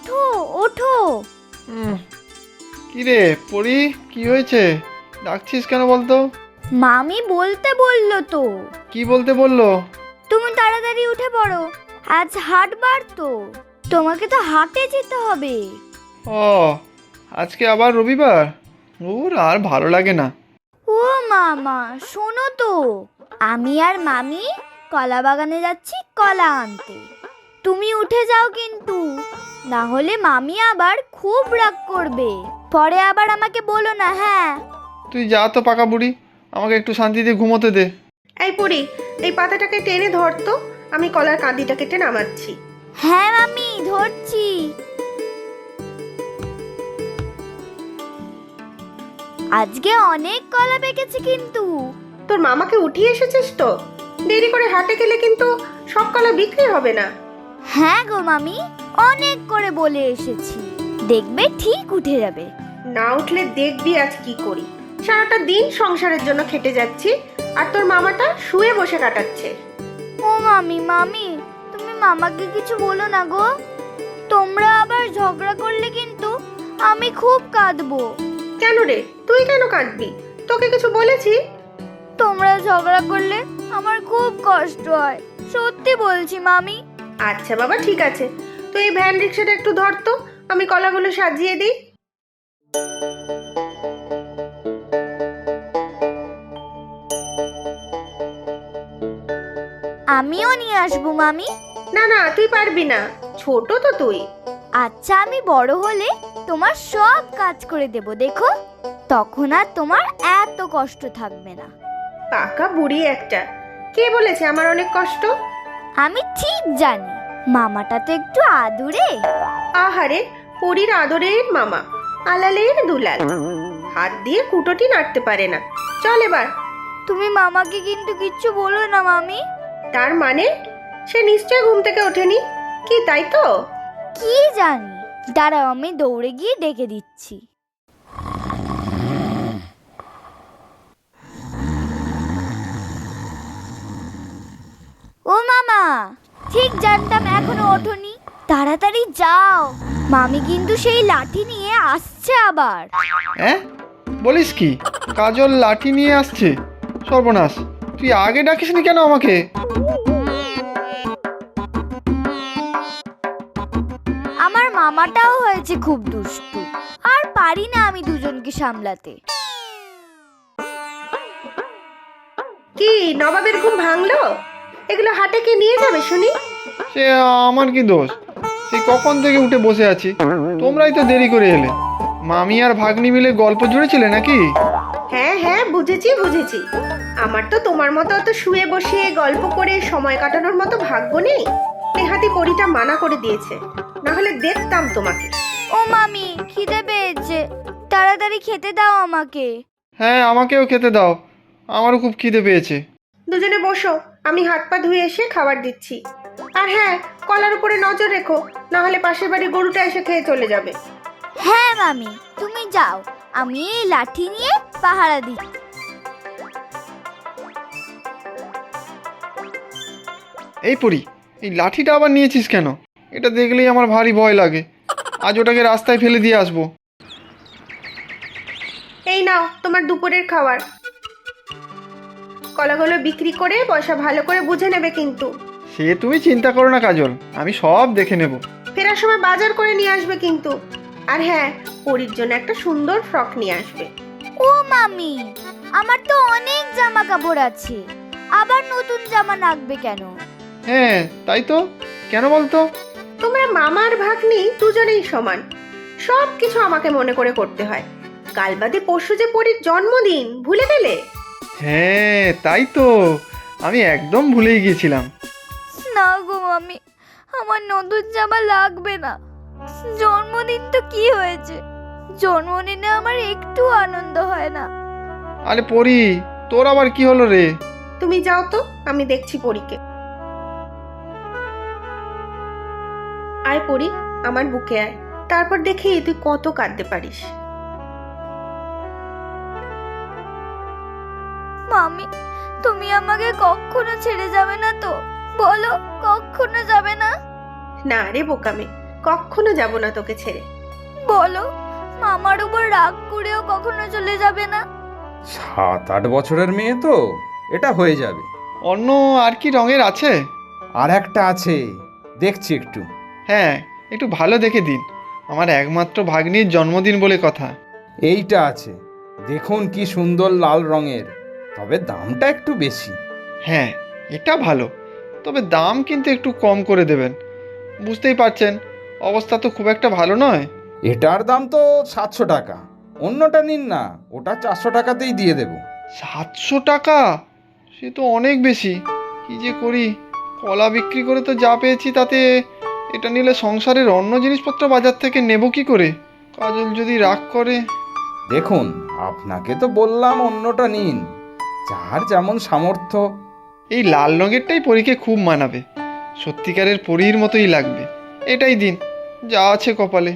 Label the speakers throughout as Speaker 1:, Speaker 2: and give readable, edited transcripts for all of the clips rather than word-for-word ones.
Speaker 1: ওঠো ওঠো।
Speaker 2: কি রে পরি, কি হয়েছে? ডাকছিস কেন বলতো?
Speaker 1: মামি বলতে বললো তো।
Speaker 2: কি বলতে বললো?
Speaker 1: তুমি তাড়াতাড়ি উঠে পড়ো, আজ হাটবার তো, তোমাকে তো হাটে যেতে হবে।
Speaker 2: ও, আজকে আবার রবিবার? ওর আর ভালো লাগে না।
Speaker 1: ও মামা শোনো তো, আমি আর মামি কলা বাগানে যাচ্ছি কলা আনতে। তুমি উঠে যাও কিন্তু, না হলে মামি আবার খুব রাগ করবে, পরে আবার আমাকে বলো না। হ্যাঁ
Speaker 2: তুই যা তো পাকা বুড়ি, আমাকে একটু শান্তিতে ঘুমোতে দে।
Speaker 3: এই পড়ি, এই পাতাটাকে টেনে ধর তো, আমি কলার কাঁদিটা কেটে নামাচ্ছি।
Speaker 1: হ্যাঁ মামি ধরছি। আজকে অনেক কলা পেকেছে কিন্তু।
Speaker 3: তোর মামাকে উঠিয়ে এসেছিস তো? দেরি করে হাটে গেলে কিন্তু সব কলা বিক্রি হবে না।
Speaker 1: হ্যাঁ গো মামি, অনেক করে বলে এসেছি, দেখবে ঠিক উঠে যাবে।
Speaker 3: না উঠলে দেখবি আজ কি করি। সারাটা দিন সংসারের জন্য খেটে যাচ্ছি, আর তোর মামাটা শুয়ে বসে কাটাচ্ছে।
Speaker 1: ও মামি মামি, তুমি মামাকে কিছু বলো না গো, তোমরা আবার ঝগড়া করলে কিন্তু আমি খুব কাঁদবো।
Speaker 3: কেন রে, তুই কেন কাঁদবি? তোকে কিছু বলেছি?
Speaker 1: তোমরা ঝগড়া করলে আমার খুব কষ্ট হয়, সত্যি বলছি মামি।
Speaker 3: আচ্ছা বাবা ঠিক আছে, তুই এই ভ্যান রিক্সাটা একটু ধর তো, আমি কলাগুলো সাজিয়ে দিই।
Speaker 1: আমিও নিয়ে আসবো মামি।
Speaker 3: না না, তুই পারবি না, ছোট তো তুই।
Speaker 1: আচ্ছা আমি বড় হলে তোমার সব কাজ করে দেব, দেখো, তখন আর তোমার এত কষ্ট থাকবে না।
Speaker 3: পাকা বুড়ি একটা, কে বলেছে আমার অনেক কষ্ট?
Speaker 1: আমি ঠিক জানি, মামাটা তো একটু আদুরে।
Speaker 3: আহারে, পরীর আদরের মামা, আলালের দুলাল, হাত দিয়ে কুটোটি নাড়তে পারে না। চল এবার।
Speaker 1: তুমি মামাকে কিন্তু কিচ্ছু বলো না মামি।
Speaker 3: তার মানে সে নিশ্চয় ঘুম থেকে ওঠেনি, কি তাই তো?
Speaker 1: কি জানি, দাঁড়াও আমি দৌড়ে গিয়ে ডেকে দিচ্ছি। ও মামা, ঠিক জানতাম এখনো ওঠোনি, তাড়াতাড়ি যাও, মামি কিন্তু সেই লাঠি নিয়ে আসছে আবার।
Speaker 2: হ্যাঁ বলিস কি? কাজল লাঠি নিয়ে আসছে? সর্বনাশ, তুই আগে ডাকিসনি কেন আমাকে?
Speaker 1: আমার মামাটাও হয়েছে খুব দুষ্টু, আর পারি না আমি দুজনকে সামলাতে।
Speaker 3: কি নবাবের ঘুম ভাঙলো? এগুলো হাটে কে নিয়ে যাবে শুনি?
Speaker 2: সে আমার কি দোষ? সেই কখন থেকে উঠে বসে আছি, তোমরাই তো দেরি করে এলে। মামি আর ভাগ্নি মিলে গল্প জুড়েছিলে নাকি?
Speaker 3: হ্যাঁ হ্যাঁ, বুঝেছি বুঝেছি। আমার তো তোমার মতো অত শুয়ে বসে গল্প করে সময় কাটানোর মতো ভাগ্য নেই। নেহাতি পরীটা মানা করে দিয়েছে, না হলে দেখতাম তোমাকে।
Speaker 1: ও মামি, খিদে পেয়েছে, তাড়াতাড়ি খেতে দাও আমাকে।
Speaker 2: হ্যাঁ আমাকেও খেতে দাও, আমারও খুব খিদে পেয়েছে।
Speaker 3: দুজনে বসো, আমি হাত পা ধুয়ে এসে খাবার দিচ্ছি। আর হ্যাঁ, কলার উপরে নজর রেখো, না হলে পাশের বাড়ি গরুটা এসে খেয়ে চলে যাবে।
Speaker 1: হ্যাঁ মামি, তুমি যাও, আমি এই লাঠি নিয়ে পাহারা দিচ্ছি।
Speaker 2: এই পরি, এই লাঠিটা আবার নিয়েছিস কেন? এটা দেখলেই আমার ভারী ভয় লাগে, আজ ওটাকে রাস্তায় ফেলে দিয়ে আসবো।
Speaker 3: এই নাও তোমার দুপুরের খাবার। কলাগুলো বিক্রি করে পয়সা ভালো করে বুঝে নেবে কিন্তু।
Speaker 2: সে তুমি চিন্তা করো না কাজল, আমি সব দেখে নেব।
Speaker 3: ফেরার সময় বাজার করে নিয়ে আসবে কিন্তু। আর হ্যাঁ, পরীর জন্য একটা সুন্দর ফ্রক নিয়ে আসবে।
Speaker 1: ও মামি, আমার তো অনেক জামা কাপড় আছে, আবার নতুন জামা লাগবে কেন?
Speaker 2: হ্যাঁ তাই তো, কেন বলতো?
Speaker 3: তোমরা মামার ভাগ্নি দুজনেই সমান, সব কিছু আমাকে মনে করে করতে হয়। কাল বাদে পরশু যে পরীর জন্মদিন, ভুলে গেলে?
Speaker 2: হ্যাঁ তাই তো, আমি একদম ভুলেই গিয়েছিলাম।
Speaker 1: না গো মামি, আমার নতুন জামা লাগবে না। জন্মদিন তো কি হয়েছে, জন্মদিনে আমার একটু আনন্দ হয় না।
Speaker 2: আরে পরি, তোর আবার কি হলো রে?
Speaker 3: তুমি যাও তো, আমি দেখছি পরীকে। আয় পরী, আমার বুকে আয়, তারপর দেখি তুই কত কাঁদতে পারিস।
Speaker 1: মামি, তুমি আমাকে কখনো ছেড়ে যাবে না তো? বলো, কখনো যাবে না?
Speaker 3: না রে বোকামে, কখনো যাব না তোকে ছেড়ে।
Speaker 1: বলো, মামার উপর রাগ করেও কখনো চলে যাবে না?
Speaker 4: 7-8 বছরের মেয়ে তো, এটা হয়ে যাবে।
Speaker 2: অন্য আর কি রঙের আছে?
Speaker 4: আর একটা আছে, দেখছি একটু।
Speaker 2: হ্যাঁ, একটু ভালো দেখে দিন, আমার একমাত্র ভাগ্নির জন্মদিন বলে কথা।
Speaker 4: এইটা আছে, দেখুন কি সুন্দর লাল রঙের, তবে দামটা একটু বেশি।
Speaker 2: হ্যাঁ, এটা ভালো, তবে দাম কিন্তু একটু কম করে দেবেন। বুঝতেই পারছেন, অবস্থা তো খুব একটা ভালো নয়।
Speaker 4: এটার দাম তো 700 টাকা, অন্যটা নিন না, ওটা 400 টাকাতেই দিয়ে দেব।
Speaker 2: 700 টাকা? সে তো অনেক বেশি। কি যে করি, কলা বিক্রি করে তো যা পেয়েছি তাতে এটা নিলে সংসারের অন্য জিনিসপত্র বাজার থেকে নেব কি করে? কাজল যদি রাগ করে।
Speaker 4: দেখুন, আপনাকে তো বললাম অন্যটা নিন, যার যেমন সামর্থ্য।
Speaker 2: এই লাল রঙেরটাই পরীকে খুব মানাবে, সত্যিকারের পরীর মতোই লাগবে। এটাই দিন, যা আছে কপালে।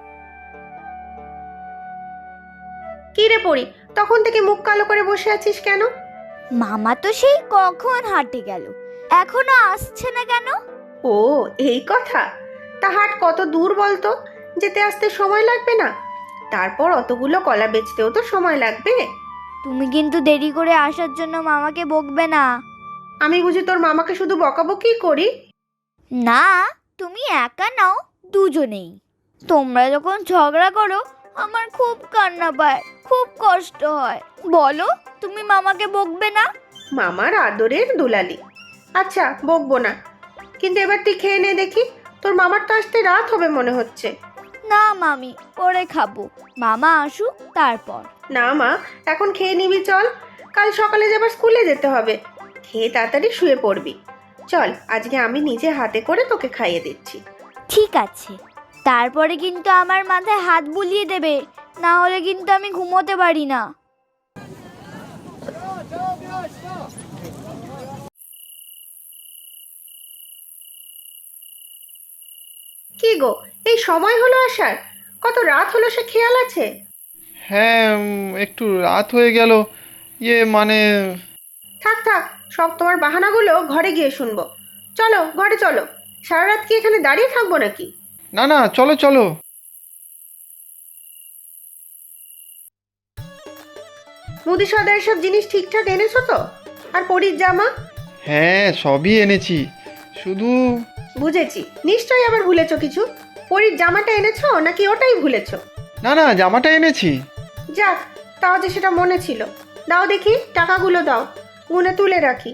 Speaker 3: কি রে পড়ি, তখন থেকে মুখ কালো করে বসে আছিস কেন?
Speaker 1: মামা তো সেই কখন হাঁটে গেল, এখনো আসছে না কেন?
Speaker 3: ও, এই কথা। তা হাট কত দূর বলতো, যেতে আসতে সময় লাগবে না? তারপর অতগুলো কলা বেচতেও তো সময় লাগবে।
Speaker 1: তুমি কিন্তু দেরি করে আসার জন্য মামাকে বকবে না।
Speaker 3: আমি বুঝি তোর মামাকে শুধু বকাবকি করি?
Speaker 1: না, তুমি একা নাও, দুজনেই। তোমরা যখন ঝগড়া করো আমার খুব কান্না পায়, খুব কষ্ট হয়। বলো, তুমি মামাকে বকবে না?
Speaker 3: মামার আদরের দুলালি। আচ্ছা, বকবো না, কিন্তু এবার তুই খেয়ে নে দেখি, তোর মামার তো আসতে রাত হবে মনে হচ্ছে।
Speaker 1: না মামি, পরে খাবো, মামা আসুক তারপর।
Speaker 3: না মা, এখন খেয়ে নিবি, চল, কাল সকালে যাবার স্কুলে যেতে হবে। খেয়ে তাড়াতাড়ি শুয়ে পড়বি। চল, আজকে আমি নিজে হাতে করে তোকে খাইয়ে দিচ্ছি।
Speaker 1: ঠিক আছে, তারপরে কিন্তু আমার মাথায় হাত বুলিয়ে দেবে, না হলে কিন্তু আমি ঘুমোতে পারি না।
Speaker 3: কি গো, এই সময় হলো আসার? কত রাত হলো সে খেয়াল আছে?
Speaker 2: হ্যাঁ, একটু রাত হয়ে গেল। মানে
Speaker 3: থাক থাক, সব তোমার বাহানাগুলো ঘরে গিয়ে শুনবো। চলো ঘরে চলো, সারা রাত কি এখানে দাঁড়িয়ে থাকবো নাকি?
Speaker 2: না না, চলো চলো।
Speaker 3: মুদি সদার সব জিনিস ঠিকঠাক এনেছো তো? আর পরীর জামা?
Speaker 2: হ্যাঁ, সবই এনেছি, শুধু
Speaker 3: বুঝেছি, নিশ্চয়ই আবার ভুলেছো কিছু। পরীর জামাটা এনেছো নাকি ওটাই ভুলেছো?
Speaker 2: না না, জামাটা এনেছি।
Speaker 3: যাক, তাও যে সেটা মনে ছিল। দাও দেখি, টাকাগুলো দাও, গুনে তুলে রাখি।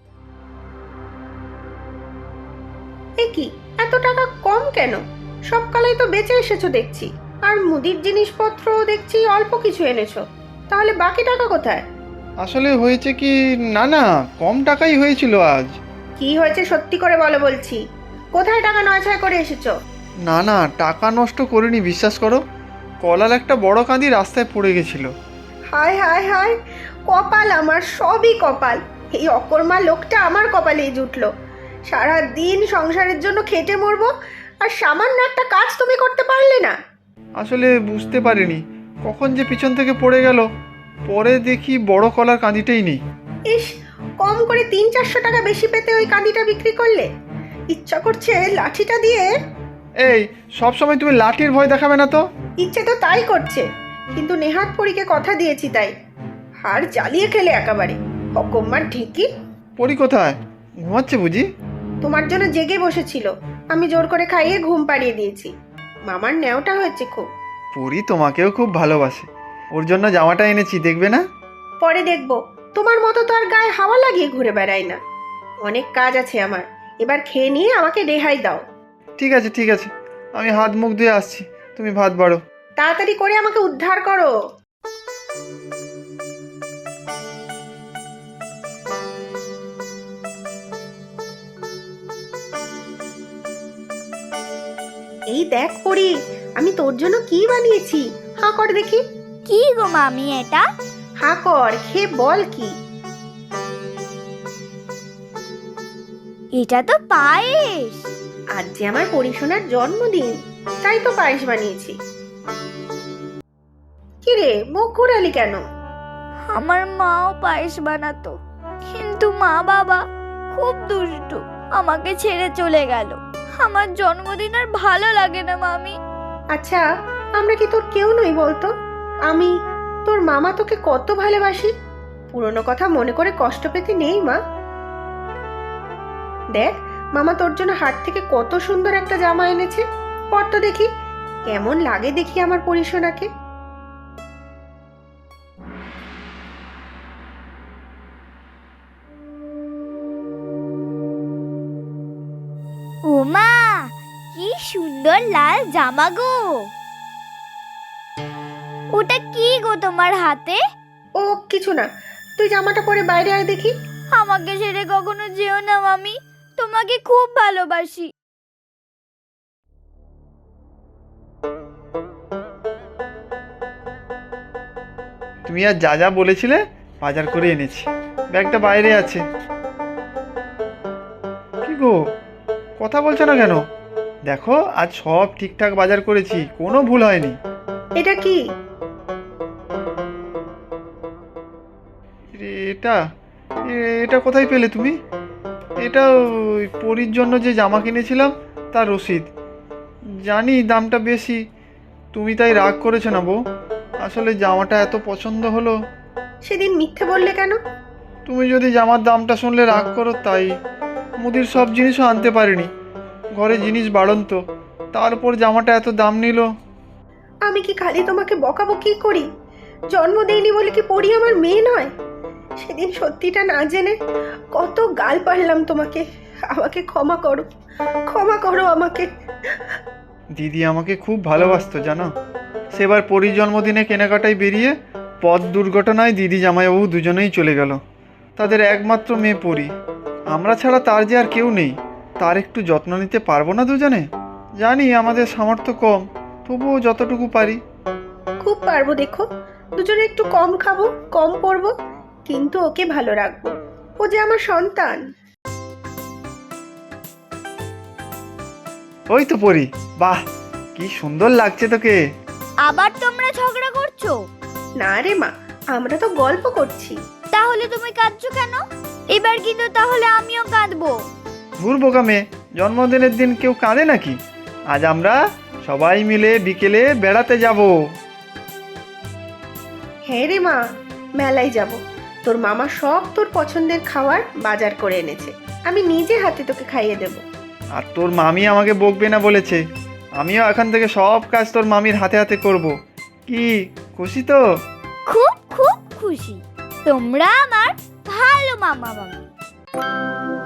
Speaker 3: এ কি, এত টাকা কম কেন? সব কালাই তো বেঁচে এসেছো দেখছি, আর মুদির জিনিসপত্র দেখছি অল্প কিছু এনেছো। তাহলে বাকি টাকা কোথায়?
Speaker 2: আসলে হয়েছে কি, না না, কম টাকাই হয়েছিল আজ।
Speaker 3: কি হয়েছে সত্যি করে বলো বলছি। কোথায় টাকা নয়ছয় করে এসেছো?
Speaker 2: না না, টাকা নষ্ট করিনি, বিশ্বাস করো। কলার একটা বড় কাঁদি রাস্তায় পড়ে গেছিল।
Speaker 3: হায় হায় হায়, কপাল আমার, সবই কপাল। এই অকর্মা লোকটা আমার কপালেই জুটলো। সারা দিন সংসারের জন্য খেটে মরবো, আর সামান্য একটা কাজ তুমি করতে পারলে না?
Speaker 2: আসলে বুঝতে পারিনি কখন যে পিছন থেকে পড়ে গেল। পরে দেখি বড় কলার কাঁদিটাই নেই।
Speaker 3: ইস, কম করে 300-400 টাকা বেশি পেতে ওই কাঁদিটা বিক্রি করলে। ইচ্ছা করছে লাঠিটা দিয়ে।
Speaker 2: এই, সব সময় তুমি লাঠির ভয় দেখাবে না তো।
Speaker 3: ইচ্ছে তো তাই করছে, কিন্তু নেহাত পরীকে কথা দিয়েছি তাই। হাড় জ্বালিয়ে খেলে একেবারে, অকম্মার ঢেকি।
Speaker 2: পরি কোথায়? ঘুমাচ্ছে বুঝি?
Speaker 3: তোমার জন্য জেগে বসেছিল, আমি জোর করে খাইয়ে ঘুম পাড়িয়ে দিয়েছি। মামার ন্যাওটা হয়েছে খুব।
Speaker 2: পরি তোমাকেও খুব ভালোবাসে, ওর জন্য জামাটা এনেছি, দেখবে না?
Speaker 3: পরে দেখবো, তোমার মতো তো আর গায়ে হাওয়া লাগিয়ে ঘুরে বেড়াই না। অনেক কাজ আছে আমার, এবার খেয়ে নিয়ে আমাকে রেহাই দাও।
Speaker 2: ঠিক আছে ঠিক আছে, আমি হাত মুখ ধুয়ে আসছি, তুমি ভাত বাড়ো।
Speaker 3: তাড়াতাড়ি করে আমাকে উদ্ধার করো। এই দেখ পরি, আমি তোর জন্য কি বানিয়েছি, হাঁ কর দেখি।
Speaker 1: কি গো মামি এটা?
Speaker 3: হাঁ কর, খেয়ে বল কি।
Speaker 1: এটা তো পায়েস।
Speaker 3: আজ যে আমার পরিশোনার জন্মদিন, তাই তো পায়েস বানিয়েছি। কিরে, মুখ ঘুরালি কেন?
Speaker 1: আমার মাও পায়েস বানাতো, কিন্তু মা বাবা খুব দুষ্টু, আমাকে ছেড়ে চলে গেল। আমার জন্মদিন আর ভালো লাগে না মামি।
Speaker 3: আচ্ছা, আমরা কি তোর কেউ নই বলতো? আমি তোর মামা তোকে কত ভালোবাসি। পুরনো কথা মনে করে কষ্ট পেতে নেই মা। দেখ, মামা তোর জন্য হাট থেকে কত সুন্দর একটা জামা এনেছে। পর তো দেখি কেমন লাগে, দেখি আমার পরিশোনাকে।
Speaker 1: ও মা, কি সুন্দর লাল জামা গো! ওটা কি গো তোমার হাতে?
Speaker 3: ও কিছু না, তুই জামাটা পরে বাইরে আয় দেখি।
Speaker 1: আমাকে ছেড়ে কখনো যেও না মামি, তোমাকে খুব ভালোবাসি।
Speaker 2: তুমি আর যা যা বলেছিলে বাজার করে এনেছি, ব্যাগটা বাইরে আছে। কি গো, কথা বলছো না কেন? দেখো, আজ সব ঠিকঠাক বাজার করেছি, কোনো ভুল হয়নি।
Speaker 3: এটা কি?
Speaker 2: এটা এটা কোথায় পেলে তুমি? এটা ওই পরীর জন্য যে জামা কিনেছিলাম তার রসিদ। জানি দামটা বেশি, তুমি তাই রাগ করেছো না বউ? আসলে জামাটা এত পছন্দ হলো।
Speaker 3: সেদিন মিথ্যে বললে কেন?
Speaker 2: তুমি যদি জামার দামটা শুনলে রাগ করো তাই। মুদির সব জিনিসও আনতে পারিনি, ঘরে জিনিস বাড়ন্ত, তারপর জামাটা এত দাম নিল।
Speaker 3: আমি কি খালি তোমাকে বকাবকি করি? জন্ম দেইনি বলে কি পড়ি আমার মেয়ে নয়? সেদিন সত্যিটা না জেনে কত গাল পারলাম তোমাকে। আমাকে ক্ষমা করো, ক্ষমা করো আমাকে।
Speaker 2: দিদি আমাকে খুব ভালোবাসতো জানো। সেবার পরীর জন্মদিনে কেনাকাটায় বেরিয়ে পথ দুর্ঘটনায় দিদি জামাইবাবু দুজনেই চলে গেল। তাদের একমাত্র মেয়ে পরী, আমরা ছাড়া তার যে আর কেউ নেই। তার একটু যত্ন নিতে পারবো না দুজনে? জানি আমাদের সামর্থ্য কম, তবুও যতটুকু পারি।
Speaker 3: খুব পারবো, দেখো দুজনে একটু কম খাবো, কম পড়বো, কিন্তু ওকে ভালো রাখবো। ও যে আমার সন্তান।
Speaker 2: ওই তো পরী, বাহ কি সুন্দর লাগছে তোকে।
Speaker 1: আবার তোমরা ঝগড়া করছো?
Speaker 3: না রে মা, আমরা তো গল্প করছি।
Speaker 1: তাহলে তুমি কাঁদছো কেন? এবার কিন্তু তাহলে আমিও কাঁদবো।
Speaker 2: ধুর বোকা মেয়ে, জন্মদিনের দিন কেউ কাঁদে নাকি? আজ আমরা সবাই মিলে বিকেলে বেড়াতে যাব।
Speaker 3: হ্যাঁ রে মা, মেলায় যাব। তোর মামা সব তোর পছন্দের খাবার বাজার করে এনেছে, আমি নিজে হাতে তোকে খাইয়ে দেব।
Speaker 2: আর তোর মামি আমাকে বকবে না বলেছে। আমিও এখান থেকে সব কাজ তোর মামির হাতে হাতে করব। কি খুশি তো?
Speaker 1: খুব খুব খুশি। তোমরা আমার ভালো মামা মামি।